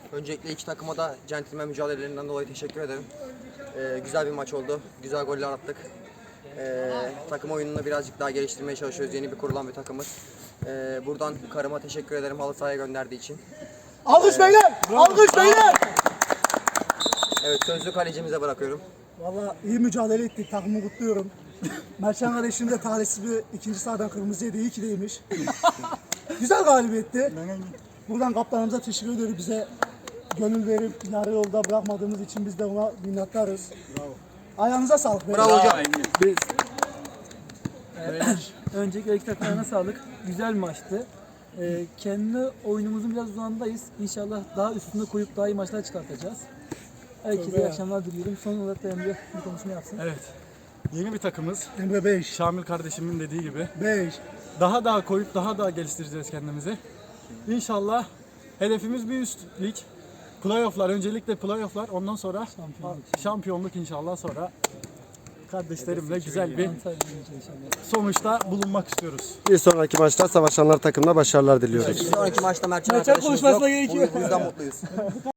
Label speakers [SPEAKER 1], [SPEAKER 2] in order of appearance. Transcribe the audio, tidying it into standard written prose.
[SPEAKER 1] Öncelikle iki takıma da centilmen mücadelelerinden dolayı teşekkür ederim. Güzel bir maç oldu. Güzel goller attık. Takım oyununu birazcık daha geliştirmeye çalışıyoruz. Yeni bir kurulan bir takımız. Buradan karıma teşekkür ederim halı sahaya gönderdiği için.
[SPEAKER 2] Alkış beyler! Alkış beyler!
[SPEAKER 1] Evet, sözlü kalecimize bırakıyorum.
[SPEAKER 2] Valla iyi mücadele ettik. Takımı kutluyorum. Mertcan kardeşim de talihsiz bir ikinci sahadan kırmızı yedi. İyi ki değmiş. Güzel galibiyetti. Buradan kaptanımıza teşekkür ediyoruz. Bize gönül verip yarı yolda bırakmadığımız için biz de ona minnettarız. Bravo. Ayağınıza sağlık.
[SPEAKER 1] Bravo hocam.
[SPEAKER 3] Öncelikle iki takımlarına sağlık. Güzel bir maçtı. Kendi oyunumuzun biraz uzağındayız. İnşallah daha üstünde koyup daha iyi maçlar çıkartacağız. Herkese iyi akşamlar diliyorum. Son olarak da Emre bir konuşma yapsın.
[SPEAKER 4] Evet. Yeni bir takımız.
[SPEAKER 2] Emre 5.
[SPEAKER 4] Şamil kardeşimin dediği gibi.
[SPEAKER 2] 5.
[SPEAKER 4] Daha koyup daha geliştireceğiz kendimizi. İnşallah hedefimiz bir üst lig. Playoff'lar, öncelikle playoff'lar, ondan sonra şampiyonluk inşallah, sonra kardeşlerimle güzel bir sonuçta bulunmak istiyoruz.
[SPEAKER 5] Bir sonraki maçta Savaşanlar takımına başarılar diliyoruz.
[SPEAKER 1] Bir sonraki maçta Mertcan
[SPEAKER 3] Mertcan
[SPEAKER 1] arkadaşımız yok.
[SPEAKER 3] konuşmasına gerek yok.
[SPEAKER 1] Bu yüzden mutluyuz.